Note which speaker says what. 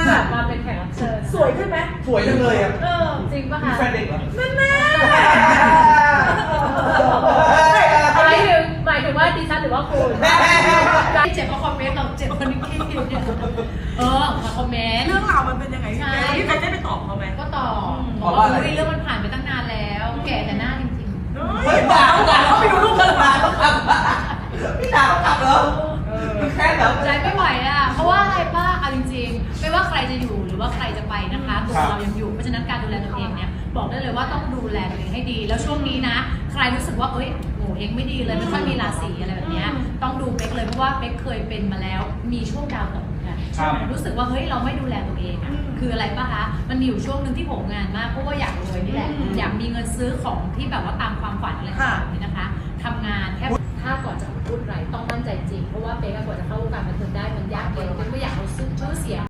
Speaker 1: กลับมาเป็นแขกรับเชิญ
Speaker 2: สวยขึ้นไหม
Speaker 3: สวยจังเลยอ่ะ
Speaker 1: จริงป่ะ
Speaker 3: มี
Speaker 1: คะ
Speaker 3: แฟนเด็กเหรอ
Speaker 2: นั่นแน่
Speaker 1: หมายถึงว่าดิฉันหรือว่าคุณเจ็บเพราะคอมเมนต์เราเจ็บคนนี้มาคอมเมนต์
Speaker 2: เรื่องราวมันเป็นยังไงพี่เป๊กได้ไปตอบเขาไหม
Speaker 1: ก็ตอบบอกว่าเรื่องมันผ่านไปตั้งนานแล้วแก่แต่หน้าจริง
Speaker 2: เฮ้ยด่าเขาไปดูรูปกันมาเขาขับ
Speaker 3: พี่ด่าเขากลับเหรอแค่เหรอ
Speaker 1: ใจไม่ไหวอ่ะเพราะว่าอะไรป้าเอาจริงๆไม่ว่าใครจะอยู่หรือว่าใครจะไปนะคะตัวเรายังอยู่เพราะฉะนั้นการดูแลตัวเองเนี่ยบอกได้เลยว่าต้องดูแลตัวเองให้ดีแล้วช่วงนี้นะใครรู้สึกว่าโง่เองไม่ดีเลยไม่ค่อยมีราศีอะไรแบบนี้ต้องดูเป๊กเลยเพราะว่าเป๊กเคยเป็นมาแล้วมีช่วงดาวตกเหมือนกันรู้สึกว่าเราไม่ดูแลตัวเองอ่ะคืออะไรป่ะคะมันมีอยู่ช่วงหนึ่งที่ผมงานมากเพราะว่าอยากรวยนี่แหละอยากมีเงินซื้อของที่แบบว่าตามความฝันอะไรต่างๆนี่นะคะทำงานแค่ถ้าก่อนจะพูดอะไรต้องมั่นใจจริงเพราะว่าเป๊กก่อนจะเข้าวงการบันเทิงได้มันยากเย็นเป๊กไม่อยากเอาชื่อเสียง